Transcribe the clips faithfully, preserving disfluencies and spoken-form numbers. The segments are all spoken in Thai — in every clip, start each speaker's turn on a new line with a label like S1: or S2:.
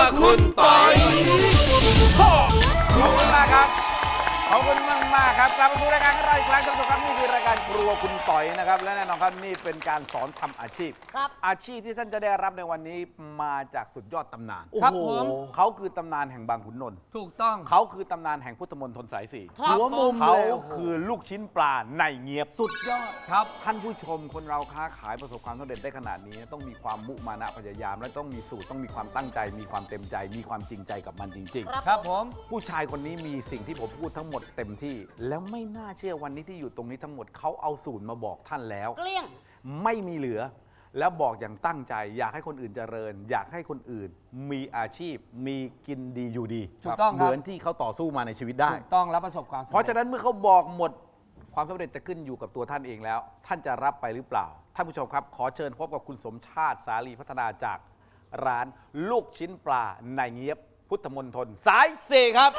S1: คุณปอย
S2: ขอบคุณมากครับขอบคุณมากมากครับกลับมาสู่รายการของเราอีกครั้งท่านผู้ชมครับนี่คือรายการครัวคุณปอยนะครับและแน่นอนครับนี่เป็นการสอนทำอาชีพ
S3: ครับ
S2: อาชีพที่ท่านจะได้รับในวันนี้มาจากสุดยอดตำนาน
S3: ครับผม
S2: เขาคือตำนานแห่งบางขุนนนท์
S3: ถูกต้อง
S2: เขาคือตำนานแห่งพุทธมณฑลสายสี่
S3: ครับ
S1: หัวมุม
S2: เขา
S1: เลย
S2: คือลูกชิ้นปลาในเงียบ
S3: สุดยอดครับ
S2: ท่านผู้ชมคนเราค้าขายประสบความสำเร็จได้ขนาดนี้ ต้องมีความมุมานะพยายาม และต้องมีสูตรต้องมีความตั้งใจ มีความเต็มใจ มีความจริงใจกับมันจริง ๆ
S3: ครับผม
S2: ผู้ชายคนนี้มีสิ่งที่ผมพูดทั้งหมดเต็มที่ แล้วไม่น่าเชื่อวันนี้ที่อยู่ตรงนี้ทั้งหมดเขาเอาสูตรมาบอกท่านแล้ว
S3: เกลี้ยง
S2: ไม่มีเหลือ แล้วบอกอย่างตั้งใจ อยากให้คนอื่นเจริญ อยากให้คนอื่น มีอาชีพ มีกินดีอยู่ดี
S3: ถูกต้องครับ
S2: เหมือนที่เขาต่อสู้มาในชีวิตได้
S3: ถูกต้องแล้วประสบความสำเร็จ
S2: เพราะฉะนั้นเมื่อเขาบอกหมดความสำเร็จจะขึ้นอยู่กับตัวท่านเองแล้ว ท่านจะรับไปหรือเปล่าท่านผู้ชมครับ ขอเชิญพบกับคุณสมชาติสาลีพัฒนาจากร้านลูกชิ้นปลาในเงียบพุทธมณฑลสายสี่ครับ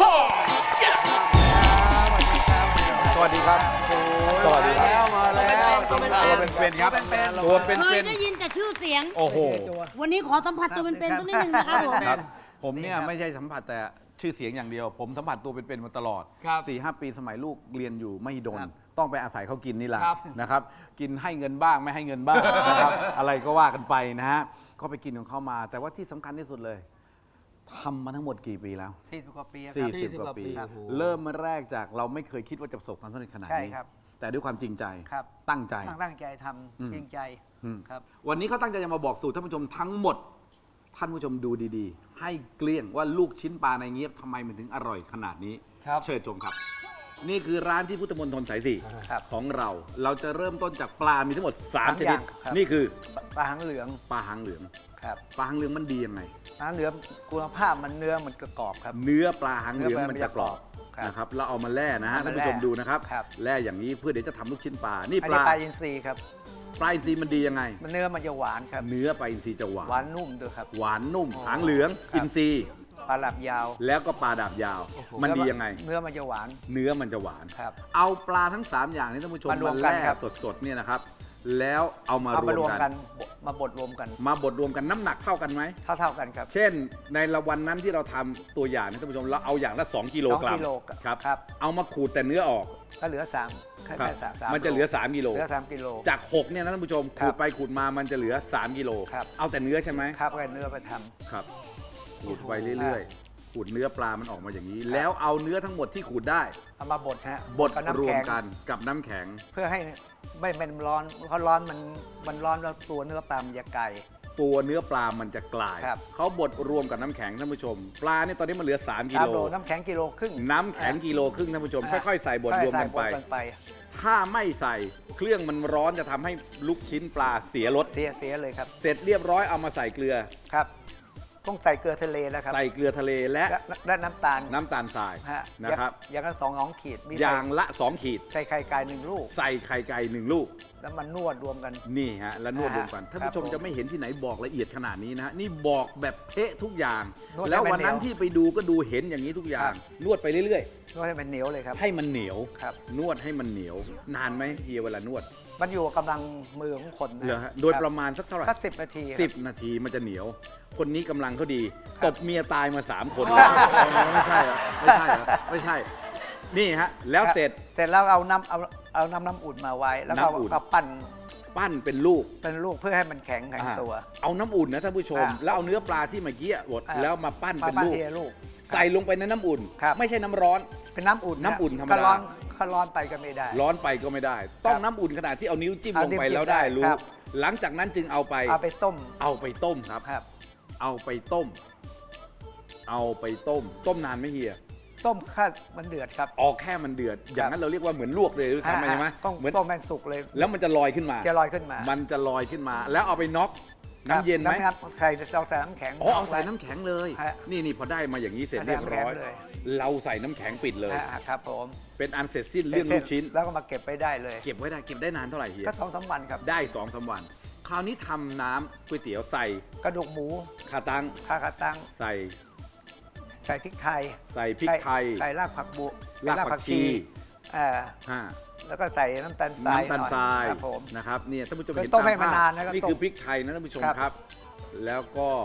S2: สวัสดีครับสวัสดีครับ
S3: มาแล้ว
S2: ตัวเป็นๆครับตัวเป็น
S4: เคย
S2: ๆ
S4: ได้ยินแต่ชื่อเสียง
S2: โอ้โห
S4: วันนี้ขอสัมผัสตัวเป็นๆสักนิดนึงนะครับผม
S2: ครับผมเนี่ยไม่ใช่สัมผัสแต่ชื่อเสียงอย่างเดียว ผมสัมผัสตัวเป็นๆมาตลอด
S3: ครับ
S2: สี่ห้าปีสมัยลูกเรียนอยู่ไม่ดน ต้องไปอาศัยเขากินนี่แหละ
S3: ครับ
S2: นะครับ กินให้เงินบ้างไม่ให้เงินบ้างนะครับ อะไรก็ว่ากันไปนะฮะก็ไปกินของเขามา แต่ว่าที่สำคัญที่สุดเลยทำมาทั้งหมดกี่ปีแล้ว
S5: สี่สิบกว่าปีครับ
S2: สี่สิบกว่าปี
S3: ครับ
S2: เริ่มมาแรกจากเราไม่เคยคิดว่าจะประสบความสำเร็จขนาด
S5: ใช่
S2: นี้
S5: ครับ
S2: แต่ด้วยความจริงใจ
S5: ครับ
S2: ตั้งใจ
S5: ตั้งตั้งใจท
S2: อืม
S5: ำจริงใจ
S2: อืม
S5: ครับ
S2: วันนี้เขาตั้งใจจะมาบอกสูตรท่านผู้ชมทั้งหมด ท่านผู้ชมดูดีๆ ให้เกลี้ยงว่าลูกชิ้นปลาในเงียบทำไมมันถึงอร่อยขนาดนี้
S3: ครับ
S2: เชิญชมครับ นี่คือร้านที่พุทธมณฑลสายสี่
S5: ครับ
S2: ของเรา เราจะเริ่มต้นจากปลา มีทั้งหมดสาม
S5: สาม
S2: ช
S5: อ
S2: นิด
S5: ย่างครับ
S2: นี่คือ
S5: ปลาหางเหลือง
S2: ปลาหางเหลือง
S5: ครับ
S2: ปลาหางเหลืองมันดียังไง
S5: ปลาหางเหลืองคุณภาพมันเนื้อมันกระกรอบครับ
S2: เนื้อปลาหางเหลือง
S5: เนื้อปลา
S2: มันจะกรอบ
S5: ครับ
S2: นะครับเราเอามาแล่นะฮะ
S5: เอามา
S2: ท่านผู้ชม
S5: แล่
S2: ดูนะครับ
S5: ครับ
S2: แล่อย่างนี้เพื่อเดี๋ยวจะทำลูกชิ้นปลา นี่
S5: อัน
S2: ป
S5: นี้
S2: ลา
S5: ปลาอินทรีครับ
S2: ปลาอินทรีมันดียังไง
S5: มันเนื้อมันจะหวานครับ
S2: เนื้อปลาอินทรีจะหวาน
S5: หวานนุ่มด้วยครับ
S2: หวานนุ่ม หางเหลือง
S5: ครับ
S2: อินทรี
S5: ปลาหลับยาว
S2: แล้วก็ปลาดาบยาว มันดียังไง
S5: เนื้อมันจะหวาน
S2: เนื้อมันจะหวาน
S5: ครับ
S2: เอาปลาทั้ง 3 อย่างนี้ท่านผู้ชม
S5: มารว
S2: มาม
S5: กัน
S2: แล่
S5: ครับ
S2: สดๆเนี่ยนะครับ แล้วเอามา
S5: เอามาร ร
S2: ว
S5: ว
S2: ม
S5: ม
S2: กั
S5: กัน นมาบดรวมกัน
S2: มาบดรวมกันน้ำหนักเท่ากันไหม
S5: เท่าเท่าๆกันครับ
S2: เช่นในละวันนั้นที่เราทำตัวอย่างนะท่านผู้ชมเราเอาอย่างละ 2 กิโลกรัม
S5: สองกิโล
S2: ครับ
S5: ครับ
S2: เอามาขูดแต่เนื้อออก
S5: ก็เหลือสามแค่
S2: ครับ
S5: แค่สามสาม
S2: มันจะเหลือ 3 กิโล
S5: เหลือสามกิโล
S2: จาก 6 เนี่ยนะท่านผู้ชม
S5: ครั
S2: ขู
S5: บ
S2: ดไปขูดมามันจะเหลือ 3 กิโล
S5: ครับ
S2: เอาแต่เนื้อใช่ไหม
S5: ครับเอาเนื้อไปทำ
S2: ครับขูดไปเรื่อยๆขูดเนื้อปลามันออกมาอย่างนี้ แล้วเอาเนื้อทั้งหมดที่ขูดได้
S5: เอามาบดฮะ
S2: บด
S5: กับน้ำ
S2: รวม
S5: แข็ง
S2: กันกับน้ำแข็ง
S5: เพื่อให้ไม่เป็นร้อนเพราะร้อนมันมันร้อนแล้วตัวเนื้อปลามันจะไก่
S2: ตัวเนื้อปลามันจะกลาย
S5: ครับ
S2: เขาบดรวมกับน้ำแข็งท่านผู้ชม ปลาเนี่ยตอนนี้มันเหลือ 3 กิ
S5: ตาม
S2: โล
S5: โลน้ำแข็งกิโลครึ่ง
S2: น้ำแข็งกิโลครึ่งท่านผู้ชม
S5: อ่า
S2: ค่อยๆใส่บดรวมกันไป
S5: ใส่บดไป
S2: ถ้าไม่ใส่เครื่องมันร้อนจะทำให้ลูกชิ้นปลาเสียรส
S5: เสียเสียเลยครับ
S2: เสร็จเรียบร้อยเอามาใส่เกลือ
S5: ครับต้องใส่เกลือทะเลแล้วครับ
S2: ใส่เกลือทะเลและ
S5: และและน้ำตาล
S2: น้ำตาลทราย
S5: ฮะ
S2: นะครับ
S5: อย่างละสองสองขีดมี
S2: อ
S5: ใส่
S2: ย่างละ 2 ขีด
S5: ใส่ไข่ไก่หนึ่งลูก
S2: ใส่ไข่ไก่หนึ่งลูก
S5: แล้วมันนวดรวมกัน
S2: นี่ฮะแล้วนวดรวมกัน
S5: อ่า
S2: ท่านผู้ชม
S5: ครับผม
S2: จะไม่เห็นที่ไหนบอกละเอียดขนาดนี้นะฮะนี่บอกแบบเป๊ะทุกอย่าง
S5: นวดให้
S2: แล้ววันนั้น
S5: มันเหนียว
S2: ที่ไปดูก็ดูเห็นอย่างนี้ทุกอย่า
S5: ครั
S2: ง
S5: บ
S2: นวดไปเรื่อย
S5: นวดให้มันเหนียวเลยครับ
S2: ๆ ให้มันเหนียว
S5: ครับ
S2: นวดให้มันเหนียว นานไหมเฮียเวลานวด
S5: มันอยู่กับกำลังมือของคนนะ
S2: เหรอฮะโดยประมาณสักเท่าไหร่
S5: ก็สิบนาทีครับ
S2: สิบนาทีมันจะเหนียว คนนี้กำลังเขาดีตบเมียตายมาสามคนไม่ใช่เหรอไม่ใช่เหรอไม่ใช่ นี่ฮะแล้วเสร็จ
S5: เสร็จแล้วเอาน้ำเอาเอาน้ำน้ำอุ่นมาไว้ แล้วก็
S2: น้ำอุ่น
S5: เอาปั้น
S2: ปั้นเป็นลูก
S5: เป็นลูกเพื่อให้มันแข็งแข็ง
S2: อ่า
S5: ตัว
S2: เอาน้ำอุ่นนะท่านผู้ชม
S5: อ่า
S2: แล้วเอาเนื้อปลาที่เมื่อกี้บด
S5: อ่า
S2: แล้วมาปั้น
S5: มา
S2: เป็น
S5: ปั้น
S2: ลูก
S5: ทีละลูก
S2: ใส่ลงไปในน้ำอุ่น
S5: ครับ
S2: ไม่ใช่น้ำร้อน
S5: เป็นน้ำอุ่น
S2: น้ำอุ่นธรรมดา
S5: ก็ร้อนก็ร้อนไปก็ไม่ได้
S2: ร้อนไปก็ไม่ได้ ต้อง
S5: ครับ
S2: น้ำอุ่นขนาดที่เอานิ้วจิ้ม
S5: เอา
S2: ลงไป
S5: นิ้วจิ้ม
S2: แล้วได้
S5: ได้
S2: รู้
S5: ครับ
S2: หลังจากนั้นจึงเอาไป
S5: เอาไปต้ม
S2: เอาไปต้มครับ
S5: ครับ
S2: เอาไปต้ม เอาไปต้ม ต้มนานไหมเฮีย
S5: ต้มข้ามันเดือดครับ
S2: ออกแค่มันเดือด อย่างนั้นเราเรียกว่าเหมือนลวกเลยหรือทำไมใช่ไหม
S5: ต้อง
S2: เหมือน
S5: ต้มแมงสุกเลย
S2: แล้วมันจะลอยขึ้นมา
S5: จะลอยขึ้นมา
S2: มันจะลอยขึ้นมา แล้วเอาไปน็อก
S5: ครับ
S2: น้ำเย็นไหม
S5: น้ำใส่เราใส่น้ำแข็ง
S2: อ๋อเอาใส่น้ำแข็งเลย
S5: ฮะ
S2: นี่นี่พอได้มาอย่างนี้เสร็จ
S5: ใส่
S2: เรียบ
S5: น้ำแข็ง
S2: ร้อย
S5: เลย
S2: เราใส่น้ำแข็งปิดเลย
S5: ฮะครับผม
S2: เป็นอันเสร็จสิ้นเรื่องลูกชิ้น
S5: แล้วก็มาเก็บไปได้เลย
S2: เก็บไว้ได้เก็บได้นานเท่าไหร่เฮีย
S5: ก็สองสามวันครับ
S2: ได้สองสามวัน คราวนี้ทำน้ำก๋วยเตี๋ยวใส่
S5: กระดูกหมู
S2: ขาตัง
S5: ข้าวขาตั้ง
S2: ใส่
S5: ใส่พริกไทย
S2: ใส่พริกไทย
S5: ใส่รากผักบุ
S2: รากผักชี
S5: เอ่อ
S2: ห้า
S5: แล้วก็ใส่น้ำตาลทราย
S2: น้ำตาลทราย
S5: หน่อครับผม
S2: นะครับเนี่ยท่านผู้ชม
S5: คือ
S2: เห็น
S5: ต้ม
S2: ตาม
S5: ให้มัน
S2: ภาพ
S5: นานนะก็
S2: นี่
S5: ต้ม
S2: คือพริกไทยนะท่านผู้ชม
S5: ครับ
S2: ครับ แล้วก็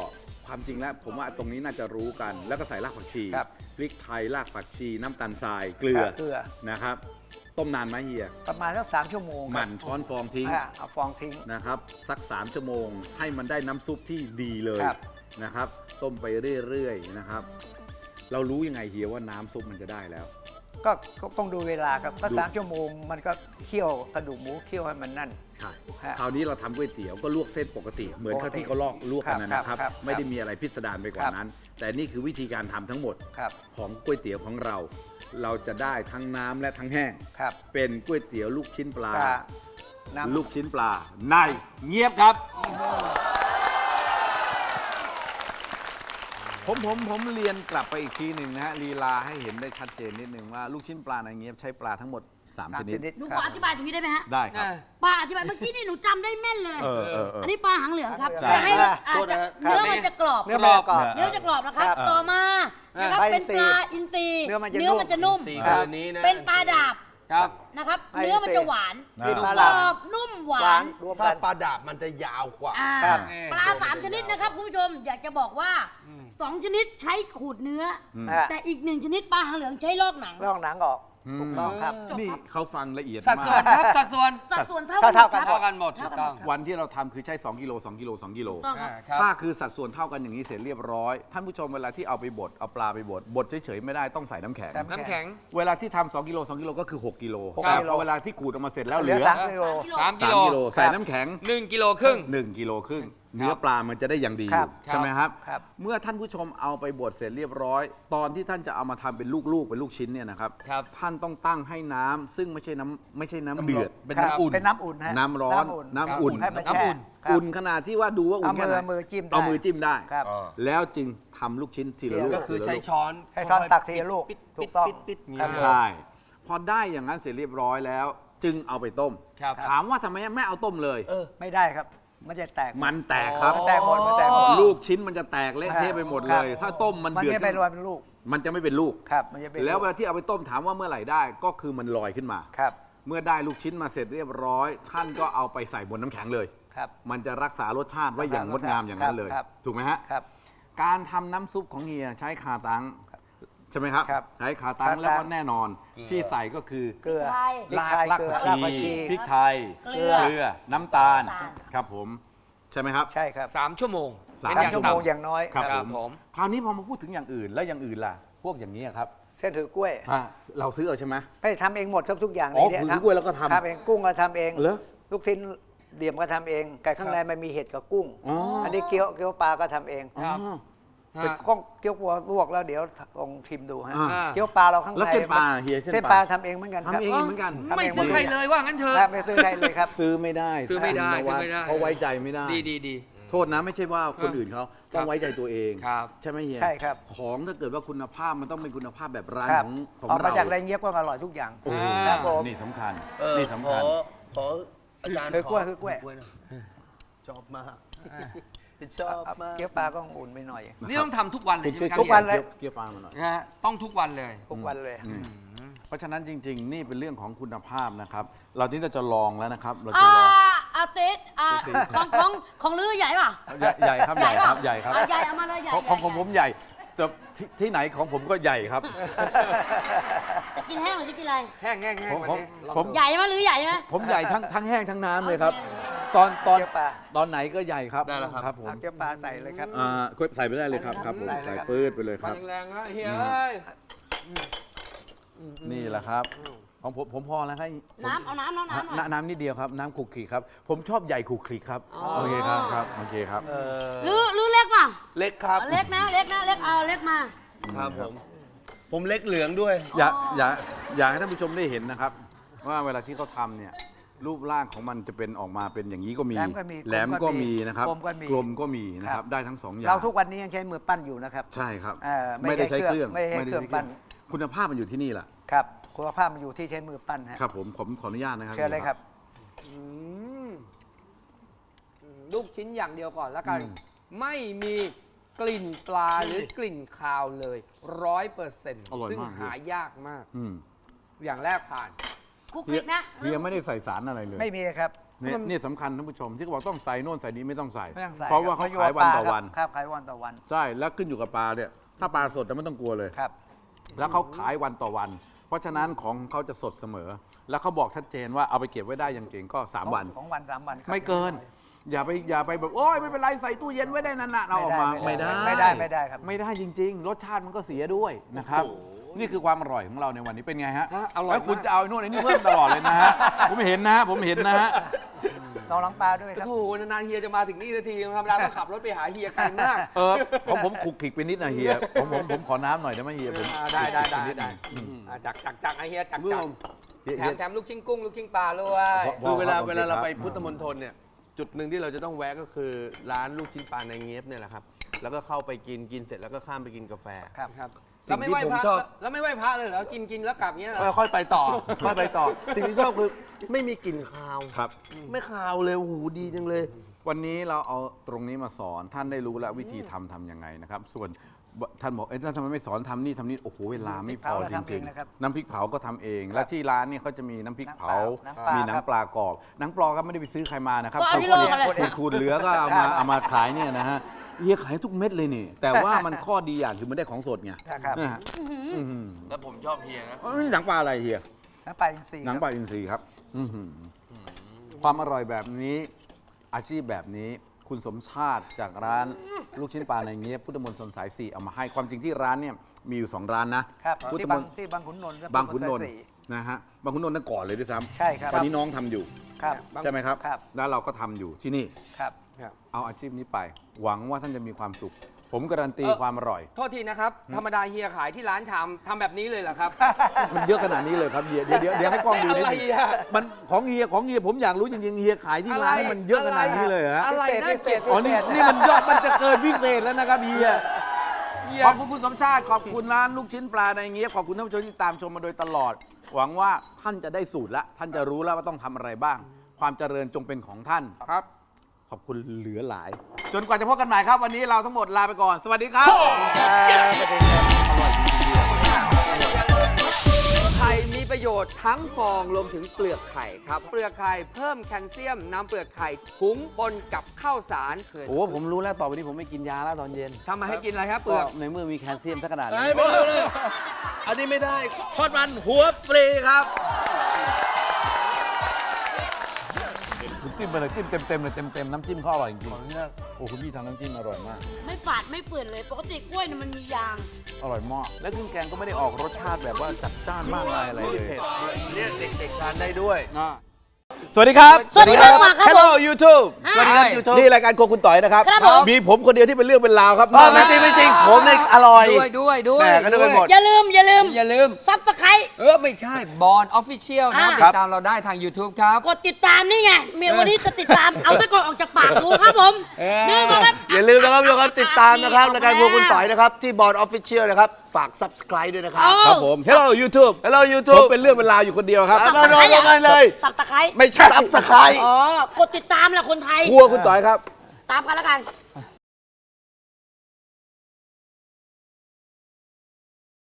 S2: ความจริงแล้วผมว่าตรงนี้น่าจะรู้กัน แล้วก็ใส่รากผักชี
S5: ครับ
S2: พริกไทยรากผักชีน้ำตาลทรายเกลือ
S5: เกลือ
S2: นะครับต้มนานไหมเฮีย
S5: ประมาณสักสามชั่วโมง
S2: หมั่นช้อนฟองทิ้ง
S5: อ่ะเอาฟองทิ้ง
S2: นะครับสักสามชั่วโมงให้มันได้น้ำซุปที่ดีเลย
S5: ครับ
S2: นะครับต้มไปเรื่อยๆนะครับเรารู้ยังไงเฮียว่าน้ำซุปมันจะได้แล้ว
S5: ก็ก็ต้องดูเวลาครับก็
S2: ดู
S5: สามชั่วโมงมันก็เคี่ยวกระดูกหมูเคี่ยวให้มันนั่น
S2: ใช่
S5: ฮะ
S2: คราวนี้เราทำก๋วยเตี๋ยวก็ลวกเส้นปกติ เหมือน
S5: ปกติ
S2: ที่เขาลอกลวกกันนะ
S5: ค
S2: ค
S5: รั
S2: รั
S5: บบ ครับ
S2: ไม่ได้มีอะไรพิสดารไปกว่า
S5: ครับ
S2: นั้น แต่นี่คือวิธีการทำทั้งหมด
S5: ครับ
S2: ของก๋วยเตี๋ยวของเรา เราจะได้ทั้งน้ำและทั้งแห้ง
S5: ครับ
S2: เป็นก๋วยเตี๋ยวลูกชิ้นปลา
S5: ปลาน้ำ
S2: ลูกชิ้นปลาในเงียบครับผมผมผมเรียนกลับไปอีกทีหนึ่งนะฮะลีลาให้เห็นได้ชัดเจนนิดนึงว่าลูกชิ้นปลาในเงียบใช้ปลาทั้งหมดสาม
S5: สาม
S2: ชนิด
S5: ชนิด
S4: หนู
S5: ค
S4: ข
S5: รับ
S4: ออธิบายตรงนี้ได้ไหมฮะ
S2: ได้ครับ
S4: ป้าอธิบายเมื่อกี้นี่หนูจำได้แม่นเลย
S2: เออเออเออ
S4: อันนี้ปลาหางเหลืองครับ
S2: ใช่
S4: จะให้
S5: อ่า
S4: อาจจะ
S5: โทษนะครับ
S4: เนื้อมันจะกรอบ
S5: เนื้อมันจะกรอบ
S4: เนื้อจะกรอบนะครับ
S5: ครับ
S4: ต่อมานะครับ
S5: ปลาอิ
S4: เป็น
S5: นทรี
S4: ป
S5: ย์
S4: ลาอินทรีย์
S5: เนื้อมันจะ
S4: มันจะนุ่ม
S1: สี่
S5: ครับ
S1: เดือนนี้นะ
S4: เป็นปลาดาบ
S1: ครับ
S4: นะครับ
S5: ปลาอินทรีย์
S4: เนื้อมันจะหวาน
S2: นี่
S5: ปลาก
S4: ร
S5: ดา
S4: อ
S5: บบ
S4: นุ่มหวา
S5: หวาน นรวม
S1: ถ้า
S5: กัน
S1: ปลาดาบมันจะยาวกว่า
S4: อ่า
S5: ครับ
S4: ปลาสามชนิดนะครับคุณผู้ชมอยากจะบอกว่าสองชนิดใช้ขูดเนื้ออ
S5: ฮะ
S4: แต่อีกหนึ่งชนิดปลาหางเหลืองใช้ลอกหนัง
S5: ลอกหนังออก
S2: อืม
S5: ถูกต้องครับ
S2: นี่เขาฟังละเอียด
S3: สัด
S2: มา
S3: ส่วน
S2: ก
S3: ครับสัดส่วน
S4: สัดส่วนเท่า
S5: เท่าๆกัน
S4: ครับ
S3: เท่ากันหมดถูกต้อง
S2: วันที่เราทำคือใช้สองกิโลสองกิโลสองกิโล
S4: ต้องครับ
S3: ครับ
S2: ถ้าคือสัดส่วนเท่ากันอย่างนี้เสร็จเรียบร้อย ท่านผู้ชมเวลาที่เอาไปบดเอาปลาไปบดบดเฉยๆไม่ได้ต้องใส่น้ำแข็ง
S5: ครับ
S3: น้ำแข็ง
S2: เวลาที่ทำสองกิโลสองกิโลก็คือหกกิโล
S5: หก
S2: แต่
S5: กิโล
S2: พอเวลาที่ขูดออกมาเสร็จแล้ว
S5: เห
S2: เห
S5: ลื
S2: ลื
S5: อ
S2: อ
S5: สามกิโล
S3: สาม
S2: สามกิโลใส่น้ำแข็ง
S3: หนึ่งกิโลครึ่ง
S2: หนึ่งกิโลครึ่งเนื้อปลามันจะได้อย่างดีอ
S5: ครั
S2: ยู่
S5: บ
S2: ใช่ไหมครับ
S5: ครับ
S2: เมื่อท่านผู้ชมเอาไปบดเสร็จเรียบร้อย ตอนที่ท่านจะเอามาทำเป็นลูกๆเป็นลูกชิ้นเนี่ยนะครับ
S3: ครับ
S2: ท่านต้องตั้งให้น้ำซึ่งไม่ใช่น้ำไม่ใช่น้ำเดือดเป็น
S5: ครับ
S2: น้ำอุ่น
S5: เป็นน้ำอุ่นฮะ
S2: น้ำร้อน
S5: น้ำ
S2: น้ำ
S5: อุ่
S2: อุ่
S5: น
S2: น
S5: ให้มัน
S3: น้ำ
S5: แช่
S3: อุ่น
S5: ครับ
S2: อุ่นขนาดที่ว่าดูว่าอุ่น
S5: เอามือ
S2: แค่ไหน
S5: มือจิ้มได้
S2: เอามือจิ้มได้
S5: ครับ
S2: แล้วจึงทำลูกชิ้นทีละลูก
S1: ก็คือ
S2: ทีละ
S1: ใช้
S2: ลูก
S1: ช้อน
S5: ให้ช้อนตักทีละลูก
S1: ปิด
S5: ถูกต้อง
S1: ปิดปิดปิด
S5: ครับ
S1: อย่างเงี้ย
S2: ใช่ พอได้อย่างนั้นเสร็จเรียบร้อยแล้ว จึงเอาไปต้ม
S3: ครับ
S2: ถามว่าทำไมไม่เอาต้มเลย
S5: ไม่ได้ครับ มันจะแตก
S2: มันแตกครับ
S5: มันแตกหมดมันแตกหมด
S2: ลูกชิ้นมันจะแตกเละเทะไปหมดเลย
S5: ครับ
S2: ถ้าต้มมัน
S5: มัน
S2: เดือด
S5: จะเป็นรอยเป็นลูก
S2: มันจะไม่เป็นลูก
S5: ครับมันจะเป็น
S2: แล้วเวลาที่เอาไปต้มถามว่าเมื่อไหร่ได้ก็คือมันลอยขึ้นมา
S5: ครับ
S2: เมื่อได้ลูกชิ้นมาเสร็จเรียบร้อย ท่านก็เอาไปใส่บนน้ำแข็งเลย
S5: ครับ
S2: มันจะรักษารสชาติไว้อย่างงดงามอย่างนั้นเลย
S5: ครับ
S2: ถูกไหมฮะ
S5: ครับ
S2: การทำน้ำซุปของเฮียใช้คาตังใช่ไหมครับ
S5: ครับ
S2: ใช้คาตัง
S5: คาตัง
S2: แล้วก็แน่นอนที่ใส่ก็คือ
S5: เกลือ
S4: ไทย
S5: พริก
S2: ราก
S5: ไทย
S2: ราก
S5: เกลือ
S2: ผัก
S5: รากผัก
S2: ชี
S5: ชี
S2: พริกไทย
S4: เกลือ
S2: เกลือน้ำตาล
S4: น้ำตาล
S2: ครับผมใช่ไหมครับ
S5: ใช่ครับ
S3: สามชั่วโมง
S2: สาม
S3: เป็นอย่
S5: ชั่วโมง
S3: ต่ำ
S5: อย่างน้อย
S2: ครับ
S3: ครับ
S2: ผม
S3: ผม
S2: คราวนี้พอมาพูดถึงอย่างอื่นแล้วอย่างอื่นล่ะ พวกอย่างนี้ครับ
S5: เส้นถือกล้วย
S2: อ่ะเราซื้อเอาใช่ไหม
S5: ไม่ทำเองหมดทุกอย่าง
S2: อ๋อ
S5: ใน
S2: ถือ
S5: ทำ
S2: กล้วยแล้วก็ทำ
S5: ทำเองกุ้งก็ทำเอง
S2: เหรอ
S5: ลูกชิ้นเดี่ยมก็ทำเองไก่ข้างในมันมีเห็ดกับกุ้ง
S2: อ๋ออั
S5: นนี้เกี๊ยวเกี๊ยวปลาก็ทำเอง
S2: อ๋อ
S5: เป็น
S3: ฮะ
S5: ข้องเกี๊ยวปัวลวกแล้วเดี๋ยวลองชิมดูฮะ
S2: อ่า
S5: เกี๊ยวปลาเราข้างใน
S2: แล้วเส้นปลาเฮียเส้น
S5: เส้น
S2: ป
S5: ป
S2: ลา
S5: ลาทำเองเหมือนกันครับ
S2: ทำเองเหมือนกัน
S5: ทำ
S3: ไม่
S5: เอง
S3: ซื้อใครเลยว่างั้นเถอะ
S5: ครับไม่ซื้อใครเลยครับ
S2: ซื้อไม่ได้
S3: ซื้อไม่ได้
S2: ท่านนวัด
S3: ซื้อไม่ได้
S2: เพราะไว้ใจไม่ได้
S3: ดีดีดี
S2: โทษนะไม่ใช่ว่าคนอื่นเขาต้องไว้ใจตัวเอง
S3: ครับ
S2: ใช่ไหมเฮีย
S5: ใช่ครับ
S2: ของถ้าเกิดว่าคุณภาพมันต้องเป็นคุณภาพแบบร้าน
S5: ครับ
S2: ของของ
S5: ออกมา
S2: เรา
S5: จากไรเงี้ยบก็อร่อยทุกอย่าง
S2: โอ้โห
S5: ครับผม
S2: นี่สำคัญ
S1: เออ
S2: นี่สำคัญ
S1: ขอขออาจารย์
S5: คือกล้วยคือกล้วย
S1: หน่ชอบมากชอบมาก
S5: เกี๊ยวปลาก็อุ่นไปหน่อย
S3: นี่ต้องทำทุกวันเลยใช่ไหมครับ
S5: ทุกวันเลย
S2: เกี๊ยวปลามาหน่อย
S3: นะฮะต้องทุกวันเลย
S5: ทุกวันเลย
S2: อืมเพราะฉะนั้นจริง ๆ นี่เป็นเรื่องของคุณภาพนะครับ เราที่จะลองแล้วนะครับ เราจะ
S4: อ่า
S2: ลอง
S4: อาติสอ่าของของของลือใหญ่ป่ะ
S2: ใหญ่ใหญ่ครับใหญ่ครับใหญ่ครับ
S4: อ่ะใหญ่เอามาเลยใหญ่
S2: ของของของ
S4: ใหญ่
S2: ผมใหญ่แต่ที่ที่ไหนของผมก็ใหญ่ครับ
S4: จะกินแห้งหรือจะกินอะไร
S3: แห้งแห้งแห้ง
S2: ผม
S3: วันนี้
S2: ผม
S3: ลอง
S2: ผม
S3: ดู
S4: ใหญ่ไหมหรือใหญ่ไหม
S2: ผมใหญ่ทั้งทั้งแห้งทั้งน้ำเลยครับ ตอนตอน
S5: เกี๊ยวปลา
S2: ตอนไหนก็ใหญ่ครับ
S1: ได้แล้วครับ
S2: ครับผม
S5: เอาเกี๊ยวปลาใส่เลยครับ
S2: อ่าใส่ไปได้เลยครับครับผม
S5: ใส่เลย
S2: ใส่
S5: ครับ
S2: ฟืดไปเลยค
S3: ฟั
S2: รั
S3: น
S2: บ
S3: แรงๆนะเฮีย
S2: อืม
S3: เอ้ย
S2: นี่แหละครับของผมผมพอแล้วครับ
S4: น้ำเอาน้ำน้ำน้ำหน่อย
S2: น้ำน้ำนิดเดียวครับ น้ำขลุกขลิกครับ ผมชอบใหญ่ขลุกขลิกครับโอเคครับครับโอเคครับ
S4: หรือหรือเล็กป่ะ
S1: เล็กครับ
S4: เอาเล็กนะเล็กนะเล็กเอาเล็กมา
S1: ครับผม ผมเล็กเหลืองด้วย
S2: อยากอยากอยากให้ท่านผู้ชมได้เห็นนะครับ ว่าเวลาที่เขาทำเนี่ยรูปร่างของมันจะเป็นออกมาเป็นอย่างนี้ก็มี
S5: แหลมก็มี
S2: แหลมก็มีนะครับ
S5: กลมก็มี
S2: กลมก็มีนะค
S5: ครั
S2: รับบ ได้ทั้งสองอย่าง
S5: เราทุกวันนี้ยังใช้มือปั้นอยู่นะครับ
S2: ใช่ครับ
S5: เอ่อไม่
S2: ไม่ได้
S5: ใช้
S2: ใช้เครื่อง
S5: เครื่องไม่ใช้เครื่องปั้น
S2: คุณภาพมันอยู่ที่นี่แหละ
S5: ครับคุณภาพมันอยู่ที่ใช้มือปั้นฮะ
S2: ครับผมผมขออนุญาตนะครับ
S5: เชิญเลยครับ
S3: อืมลูกชิ้นอย่างเดียวก่อนแล้วกัน ไม่มีกลิ่นปลาหรือกลิ่นคาวเลยร้อยเปอร์เซ็นต์ซึ่งหายากมาก
S2: อืม
S3: อย่างแรกผ่าน
S4: คุกคลิกนะ
S2: เฮียไม่ได้ใส่สารอะไรเลย
S5: ไม่มีครับ
S2: เนี่ยนี่สำคัญท่านผู้ชมที่เขาบอกต้องใส่โน่นใส่นี้ไม่ต้องใส่
S5: ไม่ต้องใส่
S2: เพราะว่าเขา
S5: อยู่
S2: ขาย
S5: กับ
S2: วัน
S5: ปล
S2: ต่อวัน
S5: ครับขายวันต่อวัน
S2: ใช่แล้วขึ้นอยู่กับปลาเนี่ยถ้าปลาสดจะไม่ต้องกลัวเลย
S5: ครับ
S2: แล้วเขาขายวันต่อวัน เพราะฉะนั้นของเขาจะสดเสมอ แล้วเขาบอกชัดเจนว่าเอาไปเก็บไว้ได้อย่างเก่งก็สามวัน
S5: ของวันสามวันครับ
S2: ไม่เกิน อย่าไปอย่าไปแบบโอ้ยไม่เป็นไรใส่ตู้เย็นไว้ได้นานๆเอาออกมา
S5: ไม่
S2: ไม่
S5: ได้
S2: ได้
S5: ไม่ได้ไม่ได้ครับ
S2: ไม่ได้จริง ๆ รสชาติมันก็เสียด้วยนะครับ นี่คือความอร่อยของเราในวันนี้เป็นไงฮะ
S3: ฮะอร่อย
S2: แล้วคุณ
S3: มาก
S2: จะเอาไอ้นู่นไอ้นี่เพิ่มตลอดเลยนะฮะ ผมเห็นนะฮะผมเห็นนะฮะ
S5: ลองล้างปลาด้วยครับ
S3: โอ้โหนานๆเฮียจะมาถึงนี่สักทีธรรมดาต้องขับรถไปหาเฮียไกลมาก
S2: เออผมผมขลุกขลิกไปนิดนะเฮียผมผมผมขอน้ำหน่อยได้ไหมเฮียผม
S3: อ่าได้ได้ได้
S2: ขลุกขลิกปนิห
S3: ได้
S2: น่อยอืม
S3: อ่าจักจักจักไอเฮียจัก
S1: เมื่อ
S3: จัก
S2: เฮีย
S3: แถ
S2: เฮี
S3: ม
S2: ย
S3: แถมลูกชิ้นกุ้งลูกชิ้นปลาด้วย
S2: เพราะ
S1: คือเวลา
S2: โอเค
S1: เวลาเรา
S2: ครับ
S1: ไปพุทธมณฑลเนี่ยจุดหนึ่งที่เราจะต้องแวะก็คือร้านลูกชิ้นปลาในเงียบเนี่ยแหละครับแล้วก็เข้าไปกินกินเสร็จแล้วก็ข้ามไปกินกาแฟ
S5: ครับ
S3: ครับ
S1: สิ่
S3: แล้ว
S1: ง
S3: ไม่
S1: ที่
S3: ไหว้
S1: ผม
S3: พระ
S1: ชอบ
S3: แล้วไม่ไหว้พระเลยเหรอกินกินแล้วกลับเงี้ยเหรอ
S1: ค่อยๆไปต่อ ค่อยไปต่อ สิ่งที่ชอบคือไม่มีกลิ่นคาว
S2: ครับ
S1: ไม่คาวเลยโอ้โหดีจังเลย
S2: วันนี้เราเอาตรงนี้มาสอนท่านได้รู้แล้ววิธีทำทำยังไงนะครับ ส่วนท่านบอกเอ๊ะแล้วทำไมไม่สอนทำนี่ทำนี่โอ้โหเวลาไม่พอจ
S5: น้ำพริกเผาเราทำเอ
S2: ริ
S5: ง
S2: ง
S5: นะครับ
S2: ๆน้ำพริกเผาก็ทำเอง และที่ร้านนี่เขาจะมีน้ำพริกเผา
S5: น้ำปลามี
S2: มีหนังปลากรอบหนังปลาก็ไม่ได้ไปซื้อใครมานะครับ
S4: ก็เอาที่โลกอะไร
S2: ขูดขูดเหลือก็เอามาเอามาขายเนี่ยนะฮะเฮียขายทุกเม็ดเลยนี่ แต่ว่ามันข้อดีอย่างคือมันได้ของสดไง
S5: ครับ
S2: นะฮะอื้อหือ
S1: แล้วผมชอบเฮียนะ
S2: เอ้ยหนังปลาอะไรเฮีย
S5: น้ำปลาอินทรีย์
S2: หนังปลาอินทรีย์ครับอื้อหือความอร่อยแบบนี้อาชีพแบบนี้คุณสมชาติจากร้านลูกชิ้นปลาในเงี้ยพุทธมณฑลสายสี่เอามาให้ความจริงที่ร้านเนี่ยมีอยู่สองร้านนะครับ พุทธ
S5: ที่
S2: ม
S5: บาง
S2: ณฑล
S5: ที่บางขุนนนท์และ
S2: บางขุนนนท์
S5: สายสี่
S2: นะฮะบางขุนนนท์นั่นก่อนเลยด้วยซ้ำ
S5: ใช่ครับ
S2: ตอนนี้น้องทำอยู่
S5: ครับ
S2: ใช่ไหมครับ
S5: ครับ
S2: แล้วเราก็ทำอยู่ที่นี่
S5: ครับ
S2: เอาอาชีพนี้ไป หวังว่าท่านจะมีความสุข ผมการันตี
S3: เอ่อ
S2: ความอร่อย
S3: โทษทีนะครับ ธรรมดาเฮียขายที่ร้านชามทำแบบนี้เลยเหรอครับ
S2: มันเยอะขนาดนี้เลยครับเฮียเดี๋ยวเดี๋ยวเดี๋ยวให้กล้องดูนิด
S3: อะไร
S2: นึง
S3: อะ
S2: มันของเฮียของเฮียผมอยากรู้จริงๆเฮียขายที่ร้านนี่มันเยอะขนาดนี้เลยเหรอฮะ
S3: อะไร
S5: พิเศษ
S3: ได้
S5: พิเศษ
S2: อ๋อนี่นี่มันยอดมันจะเกินพิเศษแล้วนะครับเฮีย
S3: เฮีย
S2: ขอบคุณคุณสมชาติ ขอบคุณร้านลูกชิ้นปลาในเงี้ยบขอบคุณท่านผู้ชมที่ตามชมมาโดยตลอด หวังว่าท่านจะได้สูตรละท่านจะรู้แล้วว่าต้องทำอะไรบ้าง ความเจริญจงเป็นของท่าน
S3: ครับ
S2: ขอบคุณเหลือหลาย จนกว่าจะพบกันใหม่ครับ วันนี้เราทั้งหมดลาไปก่อน สวัสดีครับ
S3: ไข่มีประโยชน์ทั้งฟองรวมถึงเปลือกไข่ครับ เปลือกไข่เพิ่มแคลเซียมนำเปลือกไข่หุงปนกับข้าวสารเคย
S2: โอ้ผมรู้แล้วต่อไปนี้ผมไม่กินยาแล้วตอนเย็น
S3: ทำมาให้กินอะไรครับเปลือก
S2: ในเมื่อมีแคลเซียมสักขนาดนี้
S1: ไม่ได้เลยอันนี้ไม่ได้
S2: ทอดมันหัวปลีครับคุณจิ้มไปเลยจิ้มเต็มๆเลยเต็มๆน้ำจิ้มเขาอร่อยจริงๆโอ้คุณพี่ทำน้ำจิ้มอร่อยมาก
S4: ไม่ฝาดไม่เปื่อนเลย ปกติกล้วยเนี่ยมันมียาง
S2: อร่อยมาก และเครื่องแกงก็ไม่ได้ออกรสชาติแบบว่าจัดจ้านมากมายอะไรเลย
S1: เผ็ดเนี่ยเด็กๆทานได้ด้วย
S2: สวัสดีครับ
S4: สวัสดีครับมาครับ
S2: Hello YouTube
S4: สวัสดีครับ
S1: YouTube
S2: นี่รายการโครัวคุณต่อยนะครับ
S4: ครับผม
S2: มีผมคนเดียวที่เป็นเรื่องเป็นราวครับ
S1: ไม่จริงไม่จริงผมเนี่ยอร่อย
S3: ด้วยด้วยด้วย
S1: แหม่ก็นึกไปหมด
S4: อย่าลืม อย่าลืม
S3: อย่าลืม
S4: ซับสไคร
S3: เออ ไม่ใช่บอลออฟฟิเชียลนะ
S4: อ่า
S3: ติดตามเราได้ทาง YouTube ครับ
S4: กดติดตามนี่ไง เมียวันนี้จะติดตาม เอาตะกอนออกจากปากดูครับผม
S3: เออ
S4: นี่มาครับ
S1: อย่าลืมนะครับทุกคนติดตามนะครับรายการพวกคุณต่อยนะครับ ที่บอร์ดออฟฟิเชียลนะครับ ฝาก Subscribe ด้วยนะครับ
S2: ครับผม Hello YouTube
S1: Hello
S2: ผม
S1: YouTube
S2: เป็นเรื่องเป็นราวอยู่คนเดียวครับ
S1: ครับ มาลงกันเลย
S4: สับตะไคร้
S2: ไม่ใช่
S1: Subscribe
S4: อ๋อ กดติดตามแหละคนไทย
S2: ครัวคุณต่อยครับ
S4: ตามกันแล้วกัน